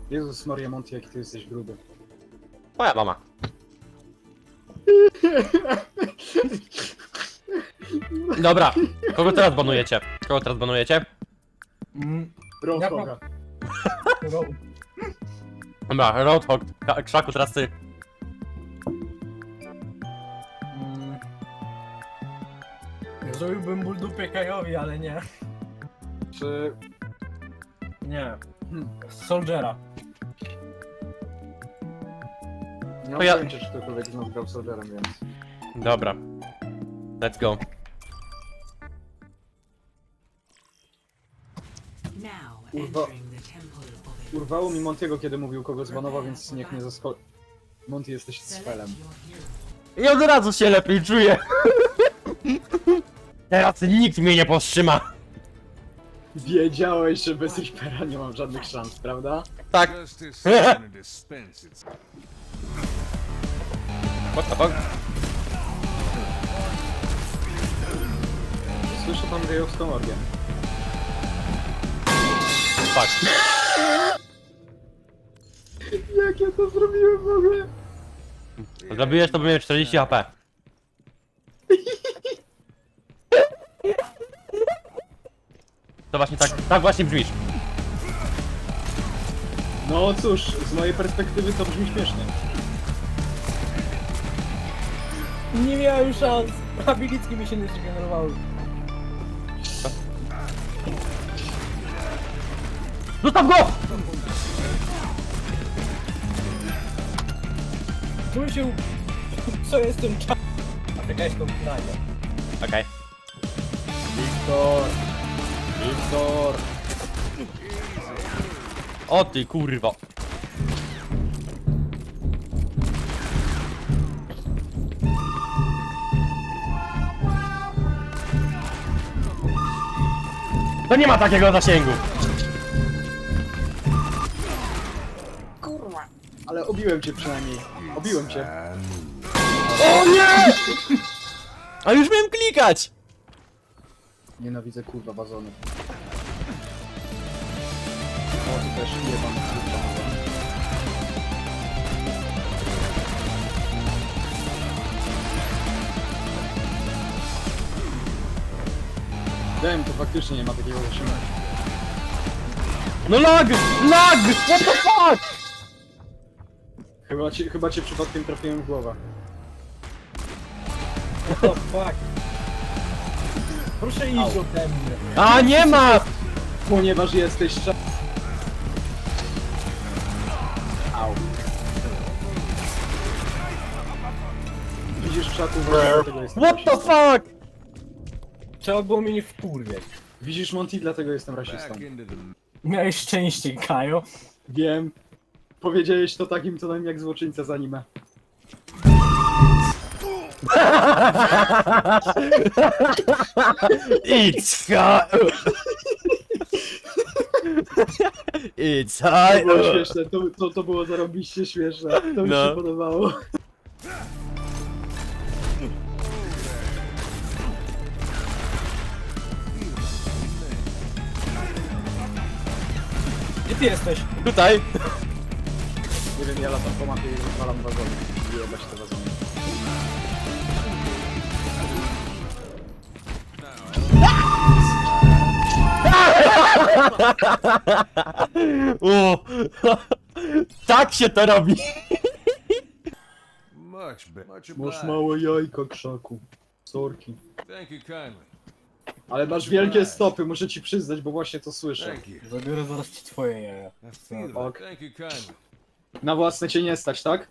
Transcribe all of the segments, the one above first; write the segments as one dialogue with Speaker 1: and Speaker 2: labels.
Speaker 1: Jezus Maria Monty, jaki ty jesteś gruby.
Speaker 2: Moja mama. Dobra, kogo teraz banujecie? Kogo teraz banujecie?
Speaker 1: Roadhoga.
Speaker 2: Dobra, Roadhog, Krzaku, teraz ty.
Speaker 3: Zrobiłbym ból dupie Kajowi, ale nie.
Speaker 1: Czy...
Speaker 3: Nie. Soldiera.
Speaker 1: Nie mam
Speaker 2: To ja-
Speaker 1: pojęcia, czy ktokolwiek z nas grał Soldierem, więc...
Speaker 2: Dobra. Let's go.
Speaker 4: Now
Speaker 1: Urwa-
Speaker 4: entering the temple of
Speaker 1: Urwało mi Montiego, kiedy mówił, kogo zbanował, więc niech nie zaskoczy. Monty, jesteś spelem.
Speaker 2: I od razu się lepiej czuję. Teraz nikt mnie nie powstrzyma.
Speaker 1: Wiedziałeś, że bez Reapera nie mam żadnych szans, prawda?
Speaker 2: Tak.
Speaker 5: Justice is gonna dispense its.
Speaker 2: What the fuck?
Speaker 1: Słyszę tam gejowską orgię.
Speaker 2: Fuck.
Speaker 1: Jak ja to zrobiłem w ogóle?
Speaker 2: Zrobiłeś to, by miał 40 HP. To właśnie tak właśnie brzmisz.
Speaker 1: No cóż, z mojej perspektywy to brzmi śmiesznie.
Speaker 3: Nie miałem szans. Abilitki mi się nie zregenerowały.
Speaker 2: Zostaw go!
Speaker 3: Czuję się... Co jestem cza... Afrykańską knajpę.
Speaker 2: Okej.
Speaker 1: Wiktor! Wiktor!
Speaker 2: O ty kurwo. To nie ma takiego zasięgu.
Speaker 1: Ale obiłem cię przynajmniej. Obiłem cię.
Speaker 2: O nie! A już miałem klikać!
Speaker 1: Nienawidzę kurwa wazony. O, ty też jebam kurwa. Wiem, to faktycznie nie ma takiego zasięgu.
Speaker 2: No lag! Lag! What the fuck?
Speaker 1: Chyba cię przypadkiem trafiłem w głowę.
Speaker 3: Oh fuck. Proszę iść ode mnie.
Speaker 2: A nie ma!
Speaker 1: Ponieważ jesteś Au. Widzisz krzaku, właśnie dlatego jestem
Speaker 2: What the
Speaker 1: rasistą.
Speaker 2: fuck?
Speaker 3: Trzeba było mnie nie wkurwiać.
Speaker 1: Widzisz Monty, dlatego jestem rasistą.
Speaker 5: Back into the.
Speaker 3: Miałeś szczęście, Kajo.
Speaker 1: Wiem. Powiedziałeś to takim tonem jak złoczyńca z anime.
Speaker 2: It's hot! It's hot!
Speaker 1: To było śmieszne, to było zarobiście śmieszne. To mi
Speaker 2: No.
Speaker 1: się podobało.
Speaker 3: Gdzie ty jesteś?
Speaker 2: Tutaj!
Speaker 1: Nie wiem, ja latam po mapie i rozwalam wazony. Jebać te wazony.
Speaker 2: O, tak się to robi!
Speaker 5: Much better. Much
Speaker 1: Masz
Speaker 5: obliged.
Speaker 1: małe jajka, krzaku. Sorki.
Speaker 5: Thank you kindly.
Speaker 1: Ale masz wielkie stopy, muszę ci przyznać, bo właśnie to słyszę.
Speaker 5: Thank you.
Speaker 3: Zabiorę zaraz ci twoje jaja.
Speaker 5: I feel
Speaker 1: Ok.
Speaker 5: it. Thank you kindly.
Speaker 1: Na własne cię nie stać, tak?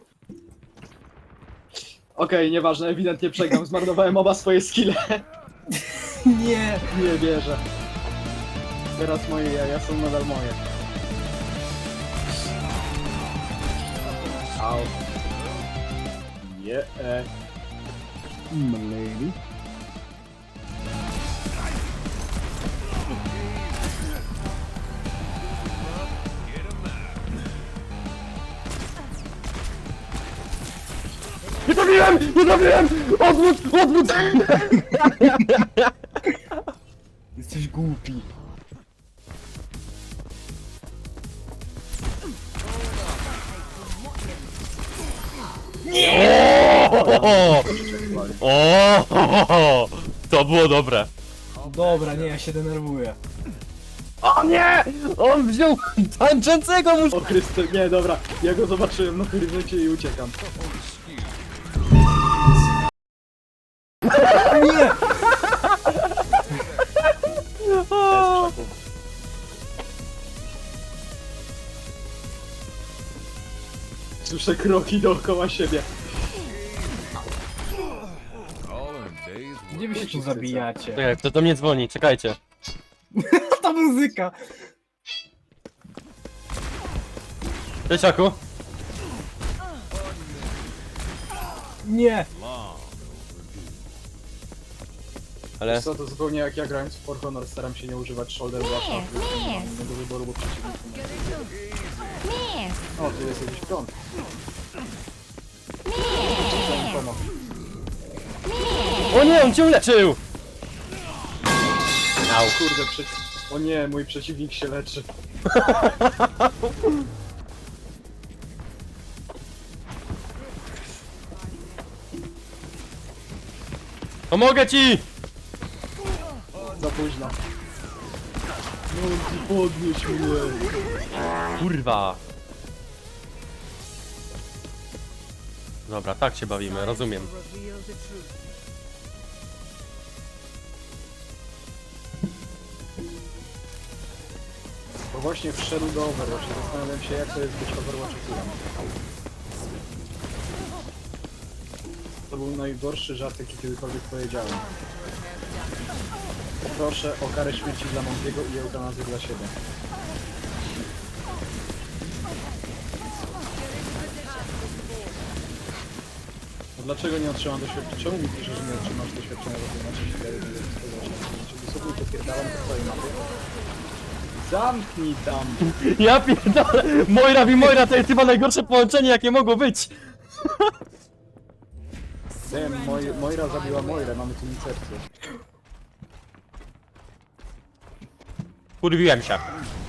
Speaker 1: Okej, nieważne, ewidentnie przegram. Zmarnowałem oba swoje skille.
Speaker 3: Nie.
Speaker 1: Nie wierzę. Teraz moje jaja są nadal moje. Au. Nie. Lady.
Speaker 2: Nie zrobiłem! Nie zrobiłem! Odwrót! Odwrót!
Speaker 3: Jesteś głupi.
Speaker 2: O! To było dobre.
Speaker 3: Dobra, nie, ja się denerwuję.
Speaker 2: O nie! On wziął tańczącego mu...
Speaker 1: O Chryste, nie, dobra. Ja go zobaczyłem na horyzoncie i uciekam.
Speaker 3: Nie!
Speaker 1: Jest w krzaku. Słyszę kroki dookoła siebie.
Speaker 5: All in a day's work.
Speaker 3: Gdzie wy się tu zabijacie?
Speaker 2: Czekaj, kto do mnie dzwoni? Czekajcie.
Speaker 3: Ta muzyka!
Speaker 2: Leciaku?
Speaker 3: Nie!
Speaker 2: Ale...
Speaker 1: Co to zupełnie jak ja grając w For Honor staram się nie używać shoulder blasha, nie mam innego wyboru, bo przeciwników nie ma. O, tu jest jakiś prąd. Chciałem pomóc.
Speaker 2: O nie, on cię uleczył! Au.
Speaker 1: Kurde, o nie, mój przeciwnik się leczy.
Speaker 2: Pomogę ci!
Speaker 1: Za późno. No, podnieś mnie.
Speaker 2: Kurwa. Dobra, tak się bawimy, rozumiem.
Speaker 1: Bo właśnie wszedł do Overwatch i zastanawiam się, jak to jest być Overwatchem. To był najgorszy żart, jaki kiedykolwiek powiedziałem. Proszę o karę śmierci dla Montiego i eutanazję dla siebie. No dlaczego nie otrzymam doświadczenia? Czemu mi pisze, że nie otrzymasz doświadczenia w Overwatchie? Czy sobie popierdalam po twojej mapie? Zamknij tam!
Speaker 2: Ja pierdolę! Moira to jest chyba najgorsze połączenie, jakie mogło być!
Speaker 1: Wiem, Moira zabiła Moirę, mamy tu incepcję.
Speaker 2: Kurwiłem się.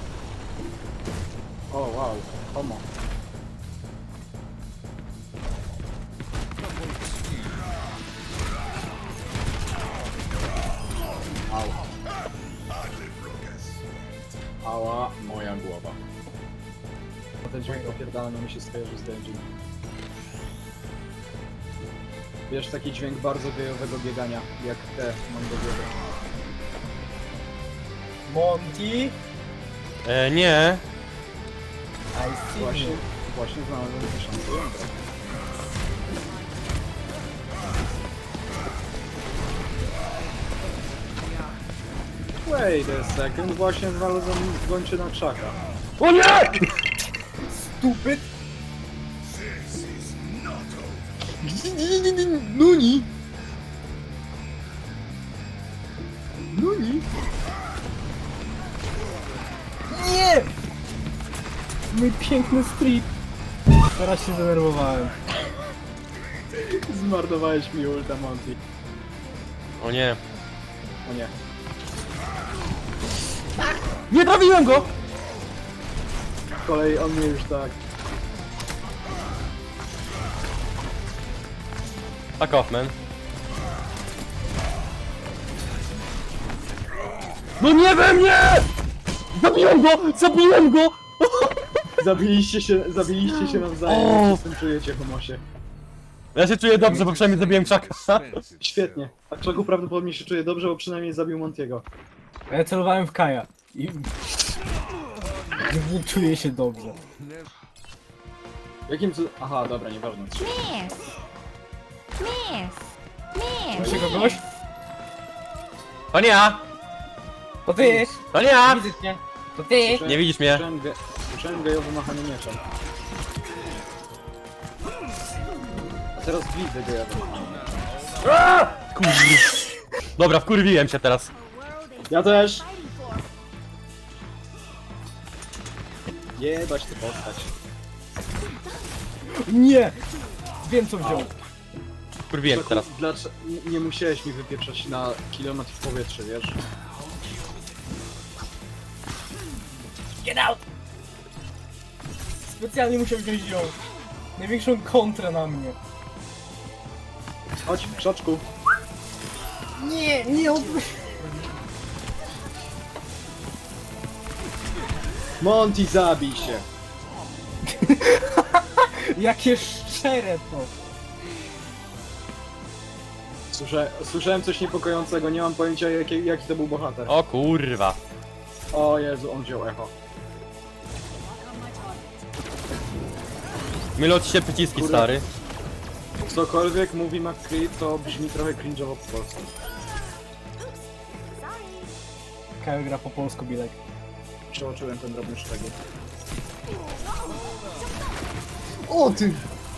Speaker 1: O, wow, homo. Au. Ała, moja głowa. Ten dźwięk opierdalany mi się skojarzy z Dungeon. Wiesz, taki dźwięk bardzo gejowego biegania, jak te mam do głowy.
Speaker 3: Monty?
Speaker 2: Nie.
Speaker 3: I see
Speaker 1: Właśnie,
Speaker 3: you.
Speaker 1: właśnie znalazłem tysiące jądra. Wait a second, właśnie znalazłem gończy na krzaka.
Speaker 2: O nie!
Speaker 3: Stupid!
Speaker 1: Nuni! Nuni!
Speaker 3: Nie! Mój piękny street! Teraz się zdenerwowałem.
Speaker 1: Zmarnowałeś mi ulta, Monty.
Speaker 2: O nie.
Speaker 1: O nie.
Speaker 2: Nie trafiłem go!
Speaker 1: Z kolei on mnie już tak...
Speaker 2: Fuck off, man. No nie we mnie! Zabiłem go! Zabiłem go!
Speaker 1: Zabiliście się nawzajem,
Speaker 2: O!
Speaker 1: jak się z tym czujecie, homosie.
Speaker 2: Ja się czuję dobrze, bo przynajmniej zabiłem Chucka.
Speaker 5: Dispense
Speaker 1: Świetnie. A Czaku prawdopodobnie się czuje dobrze, bo przynajmniej zabił Montiego.
Speaker 3: A ja celowałem w Kaja. I... Nie czuję się dobrze.
Speaker 1: Jakim cudem... Aha, dobra, nieważne.
Speaker 3: Macie kogoś?
Speaker 2: To nie ja!
Speaker 3: To ty!
Speaker 2: To nie ja!
Speaker 3: Widzę cię! To ty!
Speaker 2: Nie widzisz mnie.
Speaker 1: Słyszałem gejowe machanie mieczem. A teraz widzę gejowe machanie.
Speaker 2: Kurwa. Dobra, wkurwiłem się teraz.
Speaker 1: Ja też! Jebać tę postać.
Speaker 3: Nie! Wiem co wziął.
Speaker 2: Wkurwiłem się teraz.
Speaker 1: Dlaczego nie musiałeś mi wypieprzać na kilometr w powietrze, wiesz?
Speaker 3: Get out! Specjalnie musiał wziąć ją. największą kontrę na mnie.
Speaker 1: Chodź, krzaczku.
Speaker 3: Nie, nie odbyć.
Speaker 1: Monty, zabij się.
Speaker 3: Jakie szczere to.
Speaker 1: Słyszałem coś niepokojącego, nie mam pojęcia jaki to był bohater.
Speaker 2: O kurwa.
Speaker 1: O Jezu, on wziął echo.
Speaker 2: Mylą ci się przyciski,
Speaker 1: Kurde.
Speaker 2: stary.
Speaker 1: Cokolwiek mówi McCree, to brzmi trochę cringe'owo po polsku.
Speaker 3: Kajo gra po polsku, Bilek.
Speaker 1: Przeoczyłem ten drobny szczegół. O ty!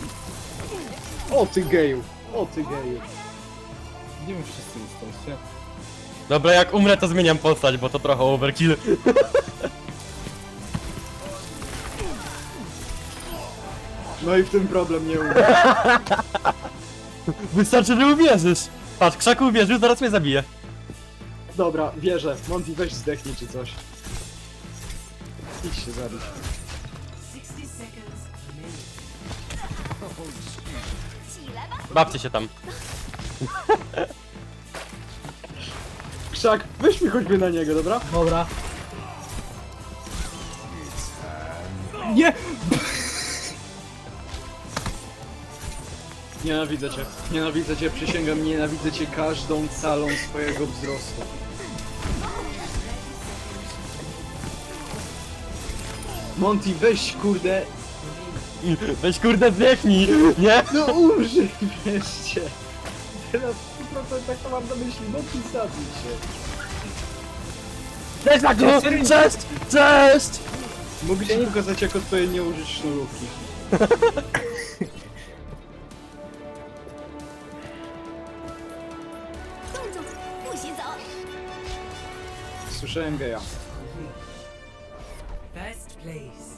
Speaker 1: O ty geju! O ty geju!
Speaker 3: Gdzie wy wszyscy jesteście?
Speaker 2: Dobra, jak umrę, to zmieniam postać, bo to trochę overkill.
Speaker 1: No i w tym problem nie umiem.
Speaker 2: Wystarczy, że uwierzysz. Patrz, krzaku uwierzył, zaraz mnie zabije.
Speaker 1: Dobra, wierzę. Monty, weź zdechnij czy coś. Idź się zabić.
Speaker 4: 60 seconds remaining.
Speaker 2: Bawcie się tam.
Speaker 1: Krzak, weź mi choćby na niego, dobra?
Speaker 3: Dobra. Nie!
Speaker 1: Nienawidzę cię, przysięgam, nienawidzę cię każdą calą swojego wzrostu. Monty, weź kurde,
Speaker 2: Weź kurde zdechnij, nie?
Speaker 1: no umrzyj wreszcie. Teraz 100% tak to mam na myśli, Monty, zabij się.
Speaker 2: Cześć, Krzaku! Cześć! Cześć!
Speaker 1: Mogę ci pokazać jak odpowiednio użyć sznurówki. Słyszałem geja.
Speaker 4: First place.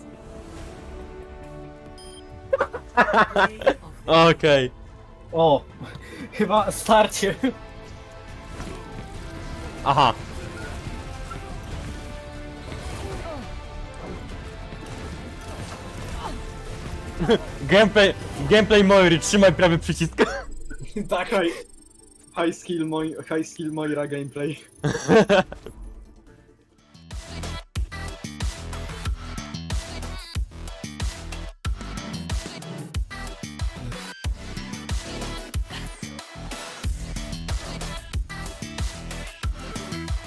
Speaker 2: Okej.
Speaker 3: O! Chyba starcie.
Speaker 2: Aha. Gameplay Moiry, trzymaj prawy przycisk.
Speaker 3: Tak.
Speaker 1: High skill Moira gameplay.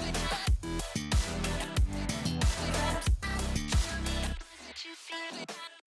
Speaker 6: Did you feel it?